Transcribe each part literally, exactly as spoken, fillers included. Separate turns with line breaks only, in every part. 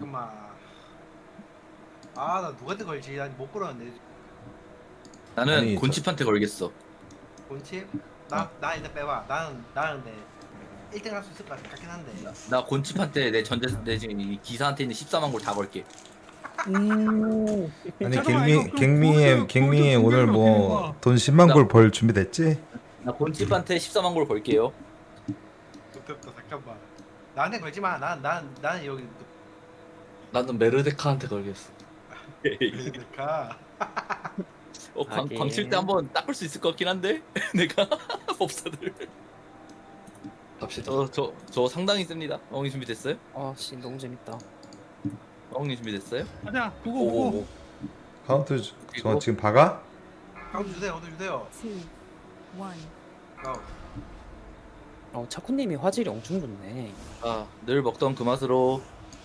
잠깐만. 아, 나 누구한테 걸지? 난 못 걸었는데.
나는
아니,
곤칩한테 걸겠어.
본칩? 나,
어.
나 일단 빼봐. 나는, 나는 근데 일 등 할 수 있을 것 같긴 한데.
나 곤칩한테 내 전재 내 지금 이 기사한테 있는 십사만 골 다 걸게.
오.
아니
잠깐만, 이거
갱미
그
갱미엠
골드-
갱미엠
골드
오늘
공격이
뭐
어떻게 된 거야?
돈 십만
나-
골 벌 준비됐지?
나 곤칩한테 십사만 골 걸게요.
좋겠다, 잠깐만. 나한테 걸지 마. 난, 난, 나는 여기.
나는 메르데카한테 걸겠어.
그러니까.
어, 광,
하긴.
광칠 때 한번 닦을 수 있을 것 같긴 한데 내가 법사들.
갑시다.
저 저 저 상당히 셉니다. 어흥이 준비됐어요?
아씨 너무 재밌다.
어흥이 준비됐어요?
가자. 보고 보고.
오오오.
카운트 저
그리고-
지금 박아?
카운트 주세요, 오늘 주세요.
two, one.
고.
어 차쿠님이 화질이 엄청 좋네.
아, 늘 먹던 그 맛으로.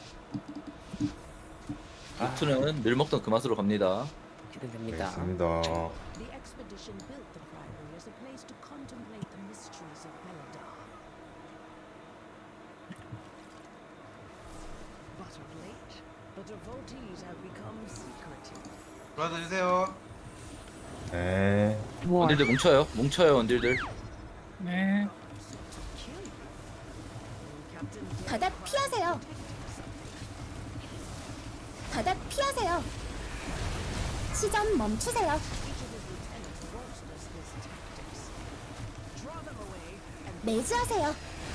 아.
루트는 늘 먹던 그 맛으로 갑니다.
기대됩니다.
알겠습니다.
The expedition built the priory as a place to contemplate the mysteries of Beledar. But of late, the devotees have become secretive.
브라더 주세요.
네.
원딜들 뭉쳐요. 뭉쳐요, 원딜들.
네.
To kill you. Captain
바닥 피하세요. 바닥 피하세요. 시전 멈추세요. 매주하세요.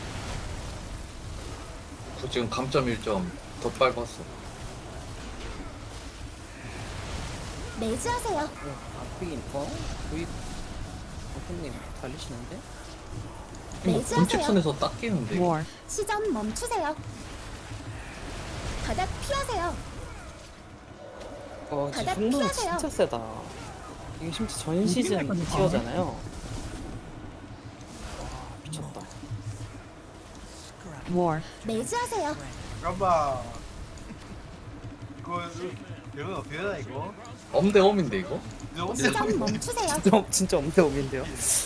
저 지금 감점 일 점 더 밟았어.
매주하세요.
어, 앞이긴 어? 거의 차쿠님 달리시는데?
뭐
매주하세요.
본집선에서 딱 끼는데. 이거.
시전 멈추세요. 바닥 피하세요.
어
바닥
지금 승부는
피하세요.
진짜 세다. 이게 심지어 전 시즌 티어잖아요. 와 미쳤다.
매주하세요.
잠깐만. 이거, 이거 어떻게 되나, 이거?
엄대 엄인데 이거?
이거
시전 멈추세요.
진짜 진짜 엄대 엄인데요.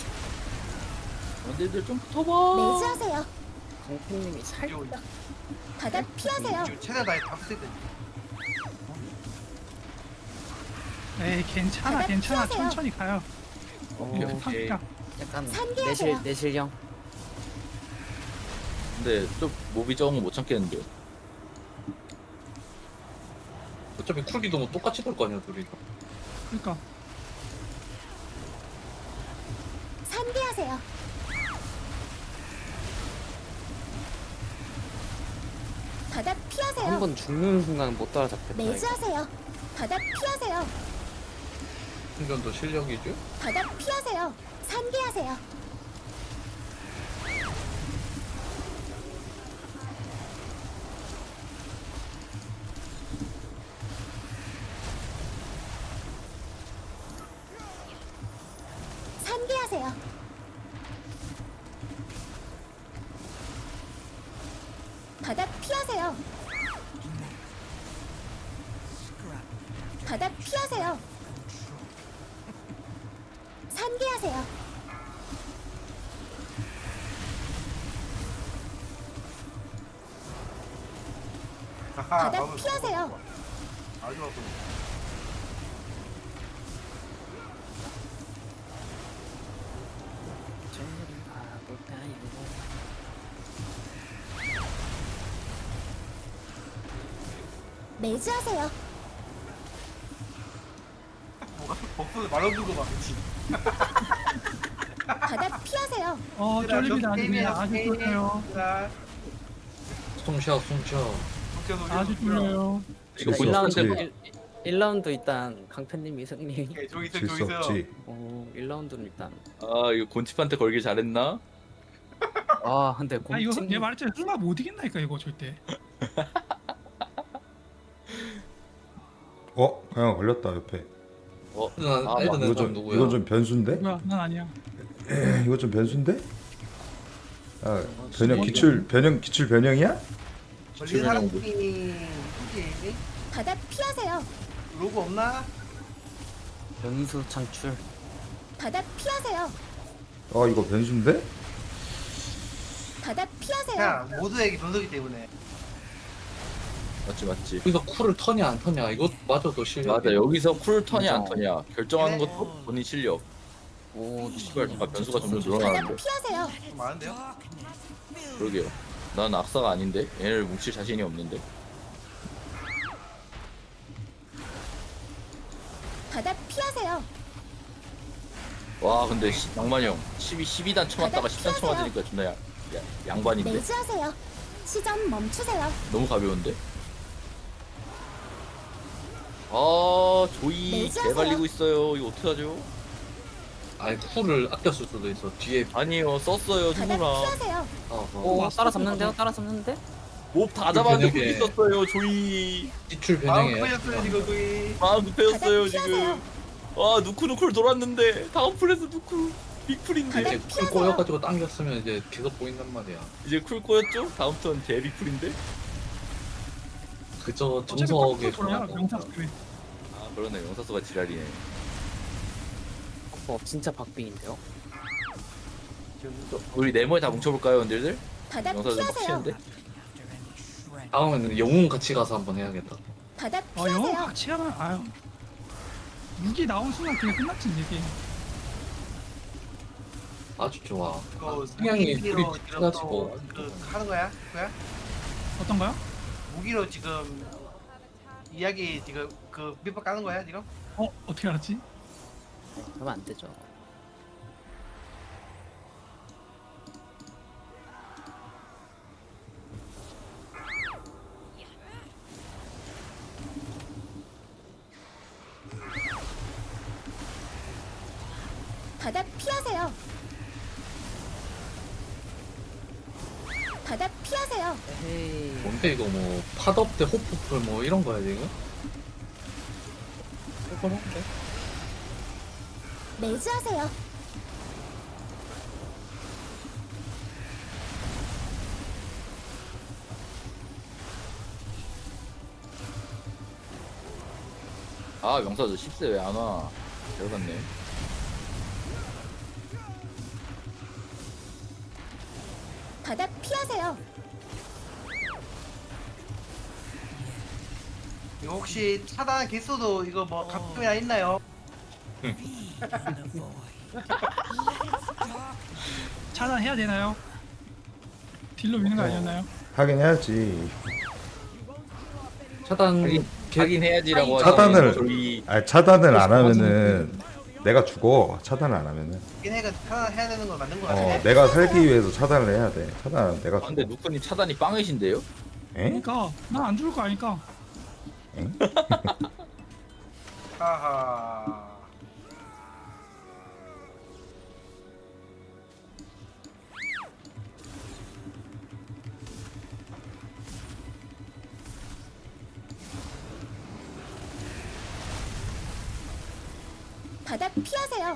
원딜들 좀 붙어봐.
매주하세요.
강팬님이 살짝
이거,
바닥 피하세요.
이거 최대한 다다 붙을 때.
에이 괜찮아
바닥
괜찮아
피하세요.
천천히 가요.
오케이, 오케이.
탑
약간
산기하세요.
내실 내실형.
근데 좀 몹이 적은 거 못 참겠는데.
어차피 쿨기도 뭐 똑같이 돌 거 아니야 둘이.
그러니까
산기하세요. 바닥 피하세요.
한 번 죽는 순간 못 따라잡겠다. 이거.
매주하세요. 바닥 피하세요.
충전도 실력이죠?
바닥 피하세요. 산기하세요. 산기하세요. 바닥 피하세요. 바닥 피하세요. 산기하세요. 바닥
마음을
피하세요.
먹어봐. 아주 좋았어.
저리 가볼까요?
매주하세요.
뭐가 복수를 말없는 거 봐, 그치?
바닥 피하세요.
어 쫄립니다 아주
게임이야,
그냥 아주
게임.
쫄려요.
자,
숨쉬어 숨쉬어.
웃겨, 웃겨,
아주
웃겨.
쫄려요.
이거
질수
일 라운드
없지.
일 라운드 일단 강팬님이 승리.
오케이, 저기 있어,
질
저기
수
있어.
없지.
어 일 라운드는 일단.
아, 이거 곤칩한테 걸길 잘했나?
아 근데
아 이거
공칭
얘 말했잖아 승마 못 이긴다니까 이거 절대.
어? 그냥 걸렸다 옆에.
어,
난
아,
애드는
이거
사람
좀
누구야?
이건 좀 변수인데?
뭐야 난 아니야.
이거 좀 변수인데? 아 변형 기출 변형 기출 변형이야?
걸린 사람 누구니? 누구지?
바닥 피하세요.
로고 없나?
변수 창출.
바닥 피하세요.
아 이거 변수인데?
바닥 피하세요.
그냥 모두에게 변수기 때문에.
맞지 맞지.
여기서 쿨을 터냐 안 터냐 이거 맞아도 실력.
맞아 여기서 쿨 턴이 안
맞아.
터냐 결정하는
네.
것도 본인 실력.
오
씨발 잠깐 변수가 점점
바닥
늘어나는데.
피하세요.
좀 많은데요?
그러게요. 난 악사가 아닌데 얘를 뭉칠 자신이 없는데.
바닥 피하세요.
와 근데 시, 낭만이 형 십이, 십이 단 쳐맞다가
바닥
십 단
피하세요.
쳐맞으니까 존나 야, 야, 양반인데
매주하세요. 시전 멈추세요.
너무 가벼운데? 아 조이
매주하세요.
개발리고 있어요. 이거 어떡하죠?
아니 쿨을 아껴 쓸 수도 있어. 뒤에
아니요 썼어요
바닥
누구나.
피하세요.
어, 어.
오 따라잡는데요? 따라잡는데?
몹 다 잡았는데
변형에-
거기 있었어요 조이.
지출
마음
변형해.
풀렸어요 지금 거의.
마음 급해졌어요
바닥 피하세요.
지금. 아 누쿠누쿨 돌았는데 다음 풀에서 누쿠 빅풀인데
이제 쿨 꼬여가지고 당겼으면 이제 계속 보인단 말이야.
이제 쿨 꼬였죠? 다음 턴 대빅풀인데?
그저
어차피
정석에
컴퓨터로야
전화가
명사
없다.
그래.
아 그러네 영사수가 지랄이네.
어 진짜 박빙인데요?
우리 네모에 다 뭉쳐볼까요 원딜들?
바닥
영사 좀
피하세요.
빡치는데?
다음에는 영웅 같이 가서 한번 해야겠다.
바닥
아 영어
피하세요.
같이 하면 아유. 무기 나온 순간 그냥 끝났지 이게.
아주 좋아.
그
성향이
무기로
둘이
지금
틀어지고.
또 그 하는 거야? 그거야?
어떤 거요?
무기로 지금 이야기 지금 그 밑밥 까는 거야 지금?
어 어떻게 알았지?
그러면 안 되죠.
바닥 피하세요. 바닥 피하세요.
에이
뭔데 이거 뭐 팟업 대 호프풀 뭐 이런 거야 지금?
조금한데?
매주하세요.
아 영사수 십세 왜 안 와? 들어갔네.
바닥 피하세요.
이거 혹시 차단 개수도 이거 뭐 각도야 있나요?
차단해야 되나요? 딜로 미는 거 아니었나요?
하긴 해야지.
차단
하긴,
개-
하긴 해야지라고
차단을-
하시는 조이.
아 차단을 안 하면은 내가 죽어. 차단을 안 하면은.
얘네가 차단해야 되는 걸 맞는 거
어
같아.
내가 살기 위해서 차단을 해야 돼. 차단 내가
아, 근데
죽어.
누쿠님 차단이 빵이신데요?
에?
그러니까 난 안 죽을 거 아니까.
엥?
하하.
바닥 피하세요.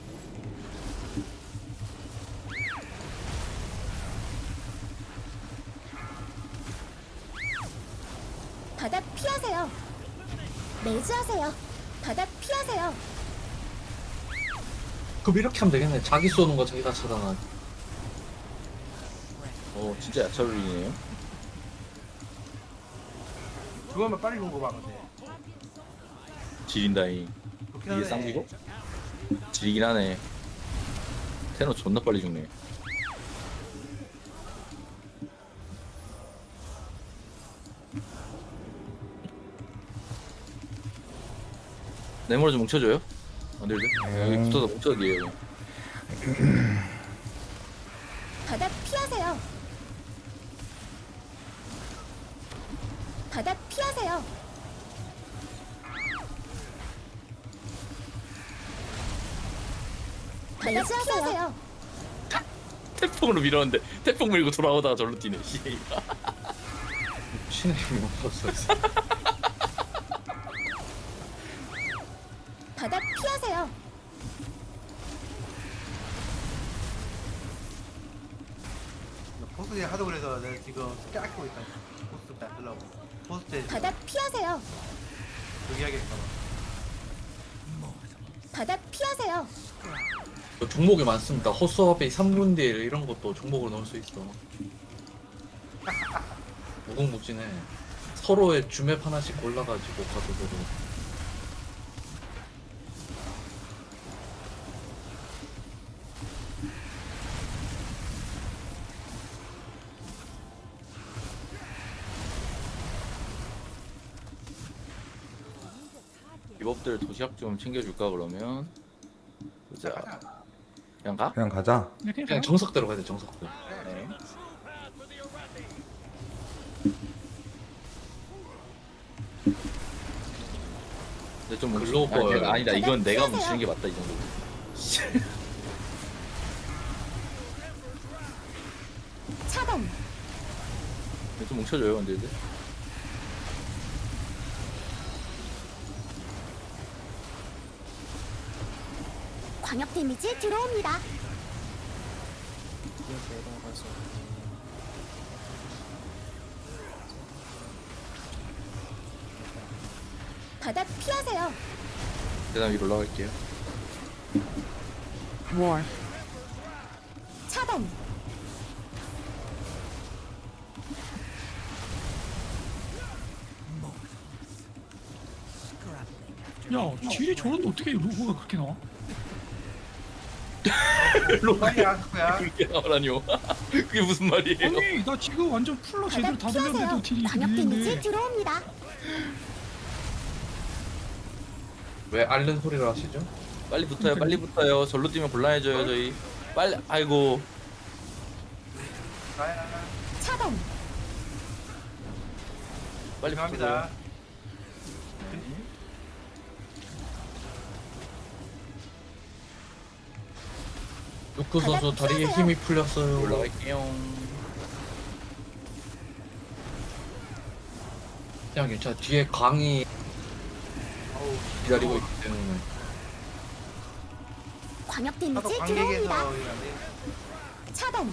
바닥 피하세요. 매주하세요. 바닥 피하세요.
그럼 이렇게 하면 되겠네. 자기 쏘는 거 자기가 차단하지.
어 진짜 야차롤이네요.
그거만 빨리 본거 봐 근데.
지린다잉.
좋긴
이게
하네.
쌍기고? 지리긴 하네. 테너 존나 빨리 죽네. 네모를 좀 뭉쳐줘요? 원딜들? 여기 붙어서 뭉쳐기에요.
바닥 피하세요. 바닥 피하세요. 바닥 피하세요.
태풍으로 밀었는데 태풍 밀고 돌아오다가 절로 뛰네. 씨가.
신의 힘이 없었어.
바닥 피하세요.
보스 하도 그래서 내가 지금 스킬 아끼고 있다. 보스 때 하려고. 보스 때
바닥 피하세요.
여기 하겠다.
바닥 피하세요.
그 종목이 많습니다. 호수아베이 삼 분 딜 이런 것도 종목으로 넣을 수 있어. 무궁무진해. 서로의 주맵 하나씩 골라가지고 가도록.
리법들 도시락 좀 챙겨줄까 그러면.
자,
자,
가자.
그냥 가?
그냥 가자.
이렇게
그냥
해서
정석대로 가야 돼 정석대로.
네. 근데 좀 뭉치-
글로벌.
아니, 내가- 아니다 이건 내가 뭉치는 게 맞다 이 정도.
차단.
좀 뭉쳐줘요 근데 이제.
광역 데미지 들어옵니다.
뒤에 내려가서
바닥 피하세요.
계단 위로 올라갈게요.
뭘?
차단.
야 딜이 저런데 어떻게 로고가 그렇게 나와?
로가야 그거야.
그렇게 나오라니요. 그게 무슨 말이에요?
아니 나 지금 완전 풀로 제대로
바닥
다 돌렸는데도
피하세요.
딜이
광역 데미지
밀리는데
들어옵니다.
왜 앓는 소리를 하시죠?
빨리 붙어요 빨리 붙어요. 절로 뛰면 곤란해져요 저희. 빨리 아이고.
나야.
차단.
빨리
죄송합니다.
붙어요.
누쿠 선수 다리에 힘이 풀렸어요.
올라갈게요.
그냥 괜찮아. 뒤에 강이 기다리고 있기 때문에.
광역
나도
데미지
관객에서
들어옵니다.
일하네.
차단.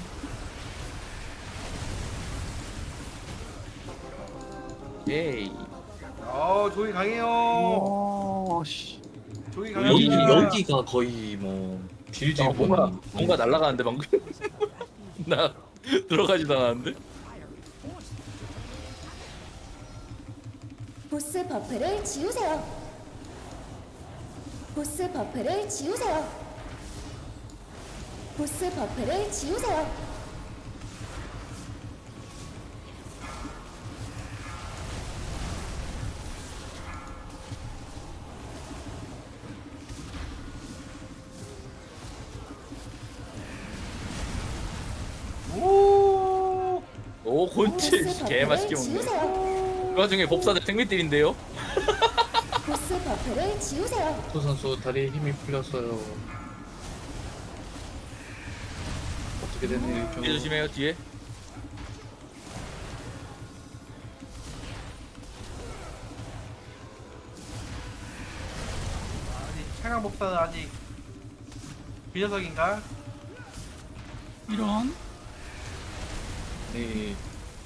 예이.
어 조이 강해요.
와씨
조이
여기
강합니다.
여기가 거의 뭐 딜질
아, 뭔가 뭔가 날아가는데 방금. 나 들어가지도 않았는데.
보스 버프를 지우세요. 보스 버프를 지우세요. 보스 버프를 지우세요.
오.
오 곤치
보스
개 맛있게
버프를
먹네.
지우세요.
그 와중에 법사들 생mit딜인데요.
보스 버프를 지우세요.
누쿠 선수 다리에 힘이 풀렸어요. 어떻게 된
뒤에
일이죠?
조심해요 뒤에.
아니 차강 복사는 아직 비녀석인가?
이런
네.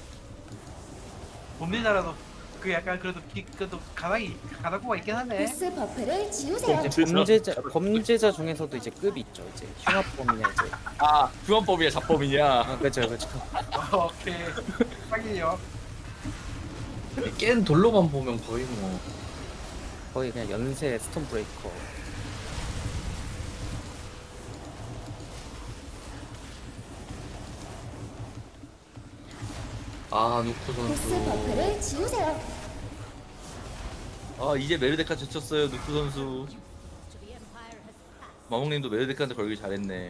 봄리나라도 그 약간 그래도 기, 그래도 가닥이 가닥고가 있긴 하네.
보스 버프를 지우세요.
이제 범죄자 범죄자 중에서도 이제 급이 있죠. 이제 흉악범이냐 이제.
아 규환법이야 잡법이냐.
아 그죠 그죠.
어, 오케이. 확인이요.
깬 돌로만 보면 거의 뭐
거의 그냥 연쇄 스톤 브레이커.
아 누쿠
보스
선수
버프를 지우세요.
아 이제 메르데카 제쳤어요 누쿠 선수. 마몽님도 메르데카한테 걸기 잘했네.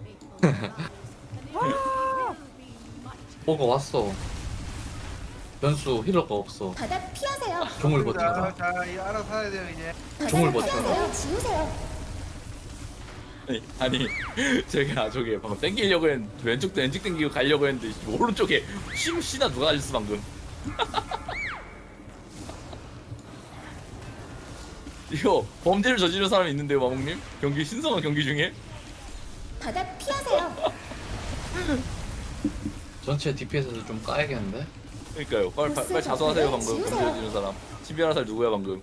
뭐가 왔어. 변수 힐러가 없어.
바닥 피하세요.
종을
자,
버텨라.
자, 이 알아서 해야 돼요 이제.
바닥
종을 버텨라.
피하세요. 지우세요.
아니, 아니 제가 저기 방금 땡기려고 했는데 왼쪽도 왼쪽 땡기고 가려고 했는데 오른쪽에 심 씨나 누가 알렸어 방금. 이거 범죄를 저지른 사람이 있는데요 마몽님? 경기 신성한 경기 중에?
바닥 피하세요.
전체 디피에스에서 좀 까야겠는데?
그러니까요 빨리 빨리, 빨리 자수하세요 방금 범죄 저지른 사람. 신비한 살 누구야 방금?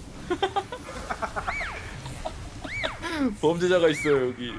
범죄자가 있어요 여기.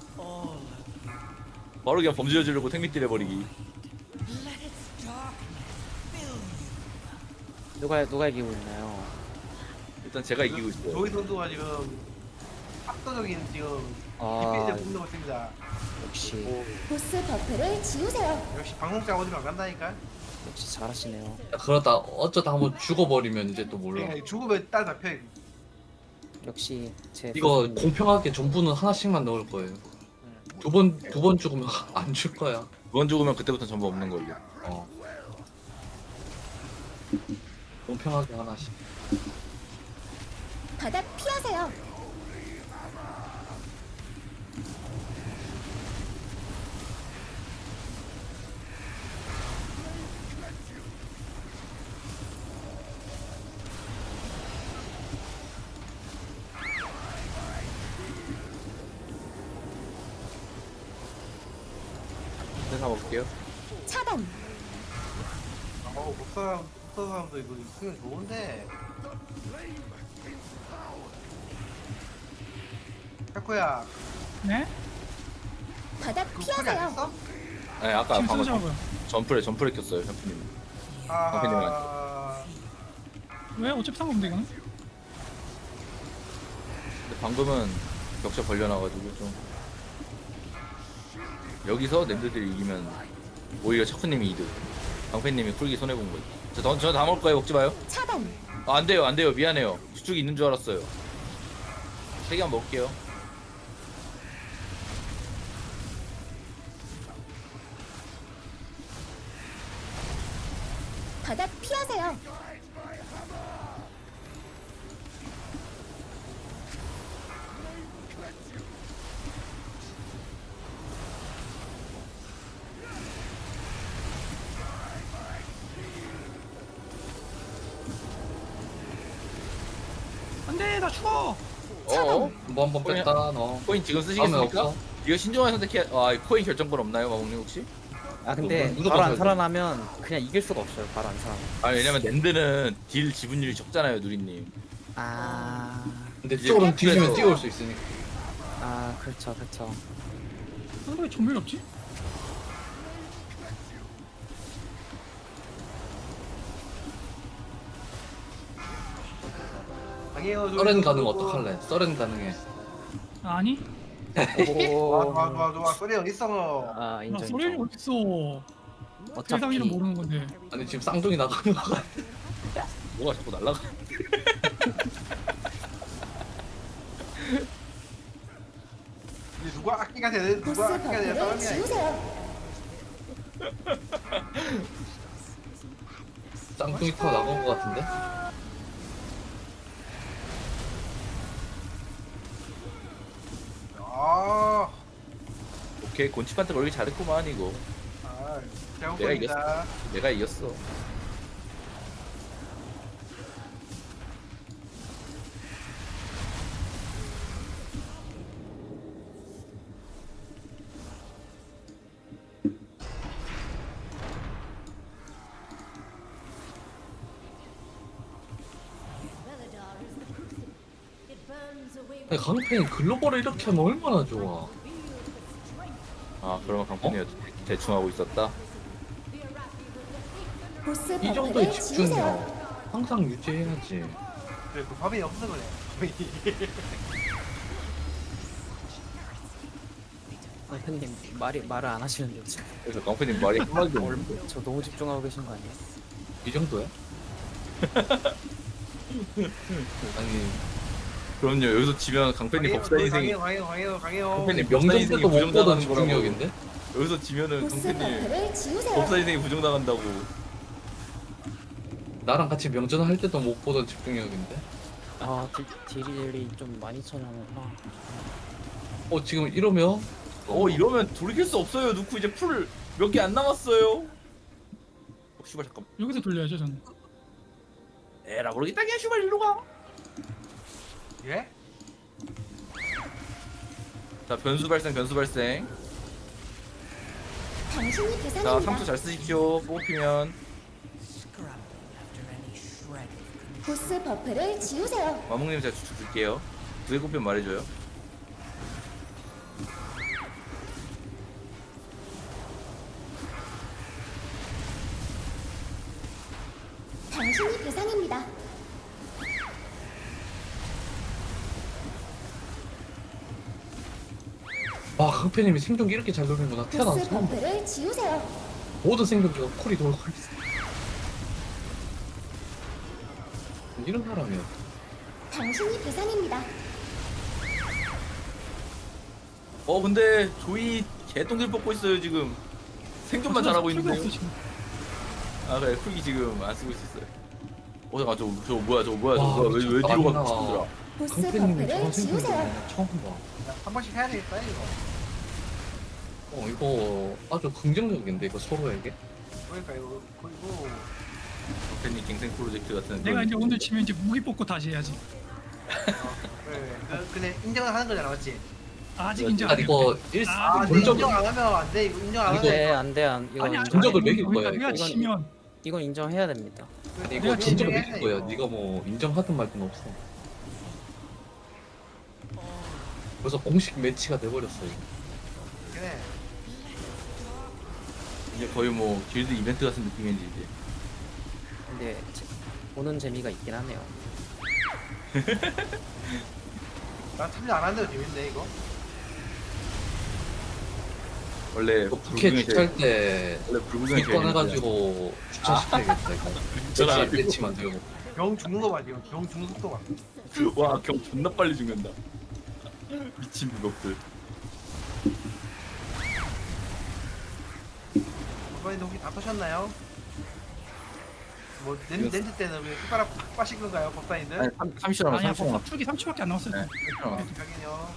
바로 그냥 범죄 저지르고 택미딜 해버리기.
누가 누가 이기고 있나요?
일단 제가 이기고 있어요.
조이 선수가 지금 압도적인 지금
아
디펜을 뽑는 것 같습니다.
역시
보스 버프를 지우세요.
역시 방송자 어디로 안 간다니까.
역시 잘하시네요.
야, 그러다 어쩌다 한번 죽어버리면 이제 또 몰라.
그러니까 죽으면 딸 잡혀.
역시 제
이거
선생님.
공평하게 전부는 하나씩만 넣을 거예요. 두 번 두 번 죽으면 안 줄 거야.
두 번 죽으면 그때부터 전부 없는 걸로.
어. 공평하게 하나씩.
바닥 피하세요.
내가 먹을게요.
차단.
어, 복사 복사 사람도 이거 수면 좋은데. 타코야,
네?
바닥
그 콜이 안
피하세요.
했어?
네, 아까
지금
방금
쓰자고요.
점프를 점프를 켰어요, 샴푸님.
아,
왜? 어차피 상관없는데 이거는?
근데 방금은 격차 벌려놔가지고 좀 여기서 랜드들이 이기면 오히려 차쿠님이 이득. 방패님이 쿨기 손해 본 거지. 저저다 먹을 거예요. 먹지 마요.
차단.
아, 안 돼요, 안 돼요. 미안해요. 수축이 있는 줄 알았어요. 세 개만 먹을게요.
바닥 피하세요.
안돼 나 죽어.
어?
뭐 한 번 뺐다 너.
코인 지금
다음에
쓰시겠습니까?
없어?
이거 신중하게 선택해. 아, 코인 결정권 없나요, 마봉님 혹시?
아 근데
무조건
바로 안
써야 돼.
살아나면 그냥 이길 수가 없어요. 바로 안 살아나.
아, 왜냐면 랜드는 딜 지분율이 적잖아요, 누리님.
아,
근데
이제
쪽으로 뒤지면
그래서-
뛰어올 수 있으니까.
아 그렇죠, 그렇죠.
왜 전멸이 없지?
당해요.
서렌 가능 어떡할래? 서렌 가능해.
아니?
좋아,
오,
좋아, 좋아, 좋아. 소리 어디 있어?
아
나
인정.
소련이
인정.
어딨어?
어차피
세상이는 모르는 건데.
아니 지금 쌍둥이 나가는 거 같아.
뭐가 자꾸 날라가?
이제 누가 악기가 돼?
보스
누가 악기가 돼?
버프를
싸움이야. 이게.
지우세요.
쌍둥이 타고 나간 거 같은데?
아,
오케이, 곤치판테 걸기 잘했구만 이거.
아,
내가
잘못입니다.
내가 이겼어.
Veladar is the crucible. It burns away
아니 강팬이 글로벌을 이렇게 하면 얼마나 좋아.
아, 그러면 강편이가 대충 하고 있었다.
보스
이 정도의
버프를
집중력
지우세요.
항상 유지해야지.
그래, 그 밥이 없어 그래.
선생님 말이 말을 안 하시는데 지금.
그래서 강편님 말이 한마디도 없는데.
저 너무 집중하고 계신 거 아니에요?
이 정도야? 아니
그럼요. 여기서 지면 강편님 법사 인생이
강해요, 강해요, 강해요, 강해요.
강팬님 법사
명전
인생이
때도 못 보던
부정당하는 거라고.
집중력인데?
여기서 지면은
보스
강편님
버프를 지우세요.
법사 인생이 부정당한다고.
나랑 같이 명전 할 때도 못 보던 집중력인데?
아 딜, 딜이 좀 많이 쳐나오구나.
어 지금 이러면
어, 이러면 돌이킬 수 없어요. 누구 이제 풀 몇 개 안 남았어요. 어, 슈발 잠깐.
여기서 돌려야죠 저는.
에라 모르겠다. 그냥 슈발 일로 가.
예?
자, 변수 발생, 변수 발생.
당신이
자,
계산입니다.
삼수 잘 쓰십시오. 뽑히면
보스 버프를 지우세요.
마몽님 제가 추측 줄게요. 두 개 꼽히면 말해줘요.
당신이 계산입니다.
와 강패님이 생존기 이렇게 잘 돌리는구나. 태어나서
보스
처음 봐.
버프를 지우세요.
모든 생존기가 콜이 돌고 있어. 이런 사람이야.
당신이 대상입니다.
어 근데 조이 개똥들 뽑고 있어요 지금. 생존만 잘하고 있는데요.
없어, 지금.
아 그래 쿨기 지금 안 쓰고 있었어요. 어 잠깐 저, 저 뭐야 저 뭐야 저
와,
뭐야 왜, 왜
미쳤다.
뒤로 가
아니나.
미친들아.
보스
강패님이
버프를
저런 생존기
지우세요.
처음 봐.
한 번씩 해야 되겠다 이거.
어 이거 아주 긍정적인데 이거 서로에게.
그러니까 이거 그리고
팬님 갱생 프로젝트 같은.
내가
그런
이제 오늘
느낌으로.
치면 이제 무기 뽑고 다시 해야지.
어, 그래. 그, 근데 인정을 하는 거잖아, 맞지?
아직
아,
인정
아
안 해.
이거 일
아,
아, 근데
본적
인정 안 하면 안 돼. 이거 인정 안 하면
네, 안 돼, 안. 이건
아니 아니.
전적을
아니,
매길 거야,
우리가
이거.
치면
이건 인정해야 됩니다.
아니
내가
이거 진짜로
진정해,
믿을 거야. 네가 뭐 인정하든 말든 없어. 그래서 공식 매치가 돼버렸어 이거.
그래.
이제 거의 뭐 길드 이벤트 같은 느낌인지 이제.
근데 제- 보는 재미가 있긴 하네요.
난 참여 안 하는데도 재밌는데 이거.
원래
이거 부캐
불구경이
주차할 때
원래 불구경이
주권 해가지고 주차시켜야겠다 이거.
저라.
매치 매치 만들고.
병 죽는 거 봐, 지금. 병 죽는 속도 봐.
와경 존나 빨리 죽는다. 미친 무겁들.
이번에도 혹시 다 터셨나요? 뭐 렌, 렌즈 때는 왜 숟가락 팍 빠신 건가요, 법사님들?
아니 삼십 초 남았어
아니야,
삼십 초 남았어.
풀기 삼 초밖에 안 남았어.
네, 삼십 초 남았어.
확인요.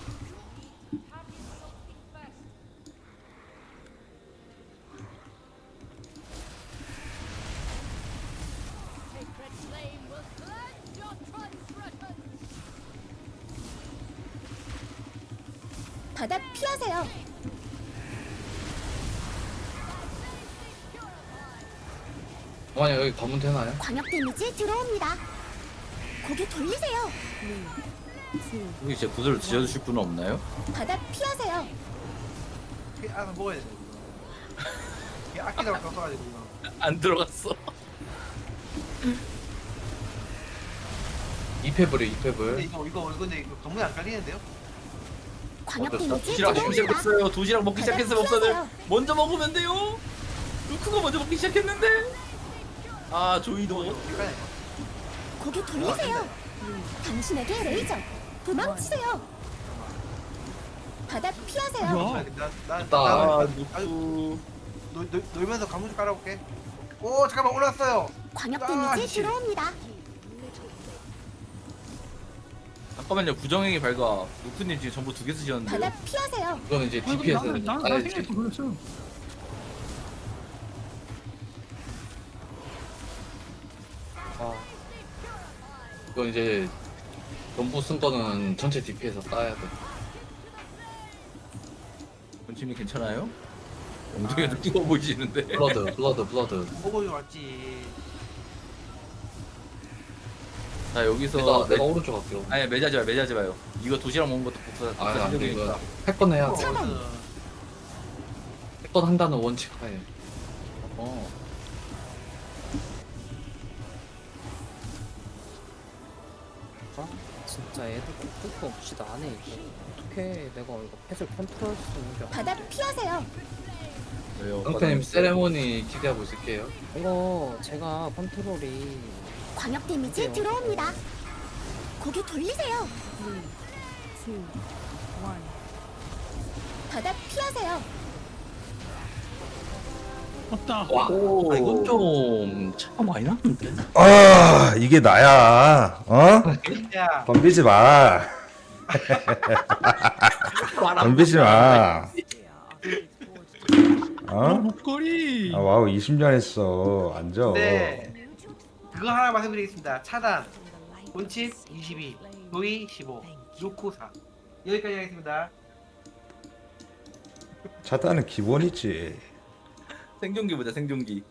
바닥 피하세요.
만약 여기 가면 되나요?
광역 데미지 들어옵니다. 고개 돌리세요.
혹시 제 구슬을 지어주실 분은 없나요?
바닥 피하세요.
이게 알아서 먹어야 돼. 이거. 이게 아끼다가 겪어가지고 이거.
안 들어갔어.
이패블이
근데
이패블.
이거 이거 이거 근데 이거 건물이 안 깔리는데요?
광역
어쩔 수
데미지
도시락 먹기
들어옵니다.
시작했어요. 도시락 먹기 시작했어요, 목사들.
피하세요.
먼저 먹으면 돼요. 루크가 먼저 먹기 시작했는데. 아 조이도.
이거 이거.
고개 돌리세요. 당신에게 레이저. 도망치세요. 바닥 피하세요.
뭐야?
나나
됐다.
아
나
루크.
놀- 놀- 놀면서 가무 좀 깔아볼게. 오 잠깐만 올랐어요.
광역
아,
데미지
씨.
들어옵니다.
잠깐만요. 부정행위 발각. 루크님 지금 전부 두 개 쓰셨는데요.
바닥 피하세요.
이거는 이제
아이고,
디피에서
나는 나는
아예
나 생각도 그랬어.
아,
이건 이제 전부 쓴 거는 전체 디피에서 따야 돼.
본팀이 괜찮아요? 엉덩이가 좀 뜨거워 보이시는데.
블러드 블러드 블러드.
보고 좀 왔지.
자 여기서
내가
매...
내가 오른쪽 갈게요.
아니 매자지 마 매자지 마요. 이거 도시락 먹은 것도 복사 복사
아, 안 돼,
생각이니까.
이거 할 건 해야 돼.
차단.
할 건 한다는 원칙 하에.
어.
아, 진짜 애들 끝도 없이 나네 이거. 어떻게 내가 이거 펫을 컨트롤할 수 있는 게
바닥 피하세요.
왜요?
형태님 세레모니 기대하고 있을게요.
이거 제가 컨트롤이
광역 데미지
어때요?
들어옵니다. 고개 돌리세요. 바닥 피하세요.
없다.
와,
오.
아, 이건 좀 차가 많이 났는데.
아 이게 나야. 어?
야
덤비지 마. 덤비지 마.
어?
어?
목걸이.
아 와우 이십 년 했어. 앉아.
네. 그거 하나 말씀드리겠습니다. 차단, 본칩 이십이, 도이 십오, 루크 사. 여기까지 하겠습니다.
차단은 기본이지.
생존기 보자 생존기.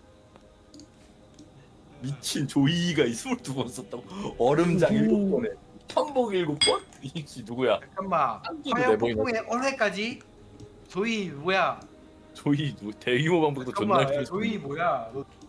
미친 조이가 스물두 번 썼다고. 얼음장 일곱 번에 천복 일곱 번? 이씨 누구야?
잠깐만.
한기도
화염
내보이네.
폭풍의 언해까지. 조이 뭐야?
조이 누구? 대규모 방북도 존나
잠깐만.
킬
조이 뭐야? 너